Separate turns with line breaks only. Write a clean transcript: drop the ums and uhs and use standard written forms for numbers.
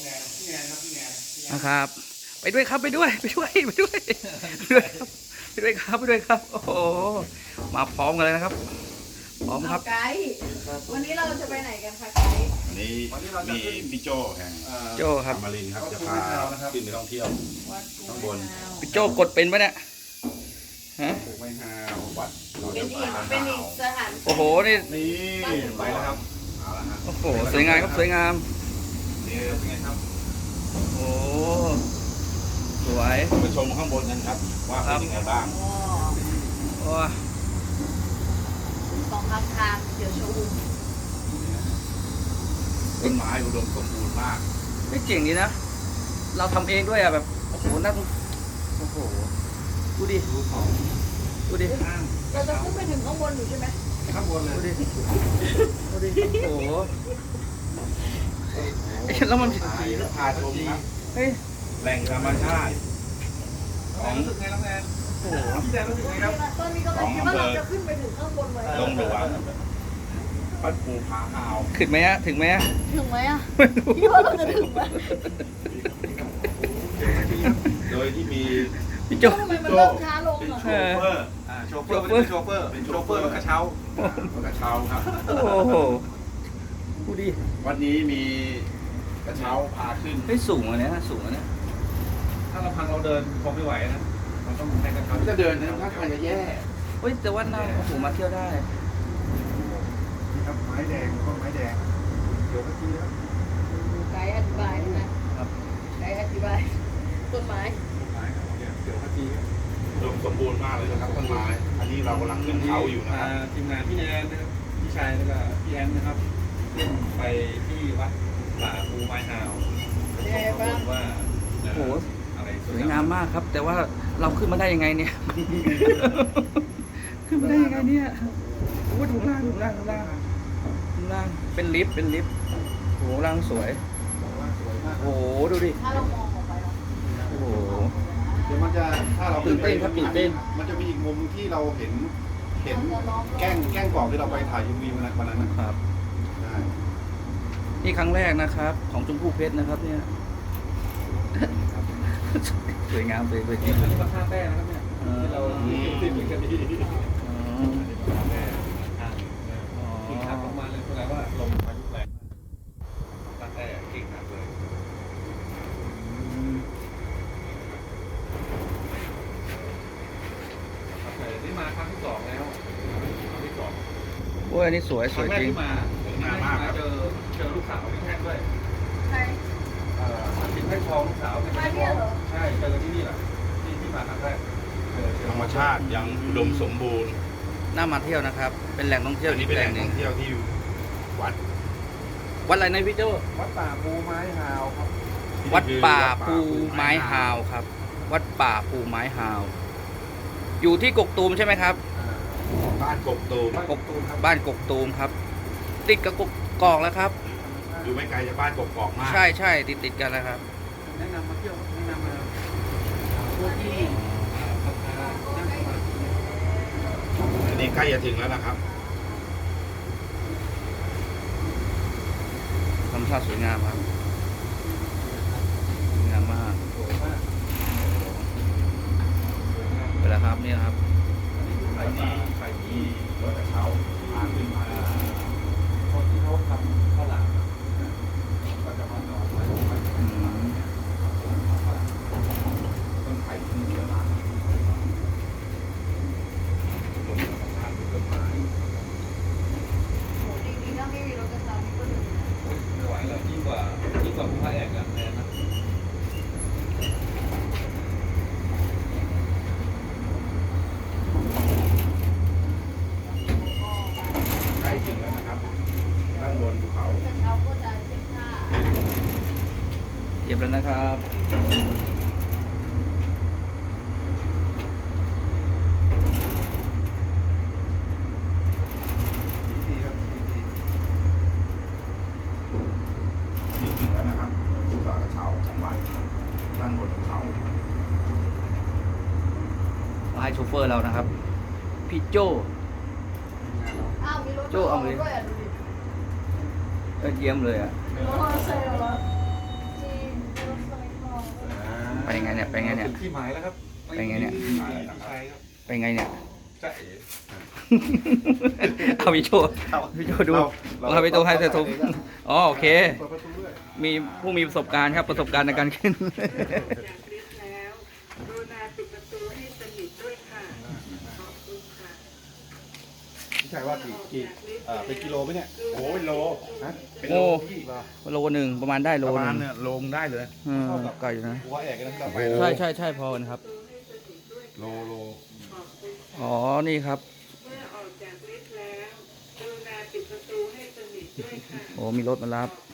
นะครับ ไปด้วยครับไปด้วยไปด้วยไปด้วยไปด้วยครับไปด้วยครับไปด้วยครับโอ้โหมาพร้อมกันเลยนะครับพร้อมครับ
ไกด์วันนี้เราจะไปไหนกันคะไกด์
วันนี้มีพี่โจแห่ง
โจ้ครับ
อมรินทร์ครับจะพาขึ้นไปท่องเที่ยว
วัด
ข้างบน
พี่โจ้กดเป็นปะเนี่ยฮะ
ปลูกไม้ฮาววัดเรา
เป็
จะ
นอี
พาก
เป็นอีกสถาน
โอ้โหนี่
นี่ไปแล้วครับเอาละฮะ
โอ้โหสวยงามครับสวยงาม
นี่เป็นไงครับ
โอ้โหสวย
ไปชมข้างบนกันครับ ว่าเป็นยังไงบ้าง
อ๋อ
โอ้ย
สองข้างทางเดี๋ยวโชว์
ต้นไม้อุดมสมบูรณ์มาก
ไม่เก่งดีนะเราทำเองด้วยอ่ะแบบโอ้โหน่าโอ้โหดูดิ
ดูของ
ดูดิ
เราจะขึ้นไปถึงข้างบนอยู่ใช่ไหม
ข้างบนเลย
ดูดิดูดิโอ้โหเอ๊ะแล้วมัน
พาชมครับ
เฮ้ย
แหล่งธรรมชาติของ
โอ้โห
ตอนนี้ก็เลยคิดว่าเราจะขึ้นไปถึงข้างบนไหม
ดงหลวงวัดปูผาหาว
ขึ้นไหมฮะถึงไหมฮะ
ถึงไหมอ่ะ
ไม่รู้
คิดว่าเราจะถึงไหม
โดยที่มี
พี่โจ
ทำไมมันเริ่มช้าลง
เป็น
อ่ะ
โชเฟอร์โชเฟอร์เป็นโชเฟอร์เป็นโชเฟอร์รถกระเช้ารถกระเช้าครับ
โอ้โหดูดิ
วันนี้มีกระเช้าพาขึ้น
เฮ้ยสูงอันเนี้ยสูงอันเนี้ย
ถ้าเราพังเราเดินคงไม่ไหวนะเราต้องให้กระเช้า
เขาจะเดินนะถ้าทางจะแย่
เฮ้ยแต่ว่าน่าโอ้โหมาเที่ยวได้
นี่ครับไม้แดงต้นไม้แดงเดี๋ยวเมื่อกี้ครับ
ไกด์อธิบายนะครับ ไกด์อธิบายต้นไม้
ไม้ครับเนี่ยเดี๋ยวเมื่อกี้อุดมสมบูรณ์มากเลยนะครับต้นไม้ อันนี้เรากำลังขึ้นเขาอยู่นะครับ
ทีมงานพี่แนนนะครับพี่ชายแล้วก็พี่แอนนะครับขึ้นไปที่วัดป่าภูไม้ฮาวว่า
โอ้โห
อะไร
สวยงามมากครับ แต่ว่าเราขึ้นมาได้ยังไงเนี่ย ขึ้นมาได้ยังไงเนี่ยโอ้โหดูล่างดูล่างดูล่างดูล่างเป็นลิฟต์เป็นลิฟต์โอ้โหล่างสวยโอ้โหดูดิ
ถ้าเรามองออกไปเนาะ
โอ้โห
เดี๋ยวมันจะถ้าเรา
ตื่นเต้นครับตื่นเต้น
มันจะมีอีกมุมที่เราเห็นแกล้งกรอบที่เราไปถ่ายยูวีวันนั้นนะครับ ใช่
นี่ครั้งแรกนะครับ ของชมพู่เพชรนะครับเนี่ย สวยงามเลยเลยจริง
อันนี้ก็ท่าแป้นะครับเนี่ยที่เราติดเหมือนกันดีท่าแป้กิ่งหักลงมาเลยแสดงว่าลมพายุแรงท่าแป้กิ่งหักเลยนี่มาครั้งที่สองแล้วครั้งที่สอง
โอ้ยอันนี้สวย
ค
ส
รั้
ว
ง
ย
แรก
จริง
ที่มาเจอลูกสาวพี่แท่งด้วย
ใช่
ติดให้ทองลูกสาว
มาเนี่ยเหรอ
ใช่เจอที่นี่แหละที่มาครั้งแรก
ธรรมชาติยังอุดมสมบูรณ์
น่ามาเที่ยวนะครับ เป็นแหล่งท่องเที่ยว
อันนี้
อีก
เป็น
แห
แห
ล่
ล่
ง
ง
หนึ่
ท่
ง
องเที่ยวที่วัด
วัดอะไรนะพี่โจ
วัดป่าภูไม้ฮาวครับ
วัดป่าภูไม้ฮาวครับ วัดป่าภูไม้ฮาว อยู่ที่กกตูมใช่ไหมครับ
บ้านกบตูม
กกบ้านกกตูมครับ ติดกับกอกแล้วครับ
อยู่ไม่ไกลจากบ้านกกอกมาก
ใช่ใช่ติดกันแล้วครับ
แนะนำมาเที่ยวแนะนำมาพวกที่พัฒนานั่งสมาธิ
อันนี้ใกล้จะถึงแล้วนะครับ
ธรรมชาติสวยงามครับสวยงามมาก
สวยมาก
ไปแล้วครับนี่นะครับ
ใครที่ใครที่
รถกระเช้าพาขึ้นมา
คนที่เขาทำข้าวหลามก็จะมานอนไว้
อืม
ต้นไผ่ที่เยอะมากอุดมธรรมชาติต้นไม้
โหดีๆถ้าไม่มีรถกระชับก็ถึง
ไม่ไหวแล้วยิ่งกว่าภูพระแอกอะแน่นะ
ใกล้ถึงแล้วนะครับด้านบนภูเขา
กระเช้าก็จะเช็คค่า
เก็บแล้วนะครับ
ดีครับดีนี่ถึงแล้วนะครับภูเขากระเช้าของวัดด้านบนภูเขา
มาให้โชเฟอร์เรานะครับ พี่โจ
อ้าวมีรถ
โจ้เอาเลย
ด้วยอ่ะดูดิ
เยี่ยมเลยอ่ะ
รถมอเตอร์ไซค์เหรอจริง
ไปไงเนี่ยไปไงเนี่ย
ถึงที่หมายแล้วครับ
ไปไงเนี่ย
ที่หมายแล้วครับ
ไปไงเนี่ย
จะเอ๋
เอาพี่โชว์พี่โชว์ดูเราไปตัวให้เธอทุบอ๋อโอเค
เปิดประตูด้วย
มีผู้มีประสบการณ์ครับประสบการณ์ในการขึ้น
พี่ชายว่ากี่เป็นกิโลไหมเนี่ย
โอ้ยโล
ฮะ
เป็น
โอ้
โลพี่
โลหนึ่งประมาณได้โล
ประ
ห
มา
นึ่
ณ
ง
เนี่ยโลงได้เลย
ไกลอยู่นะ
หัวแอกกันนะครับ
ใช่ใช่ใช่พอกันครับ
โล
อ๋อนี่ครับโอ้มีรถมารับ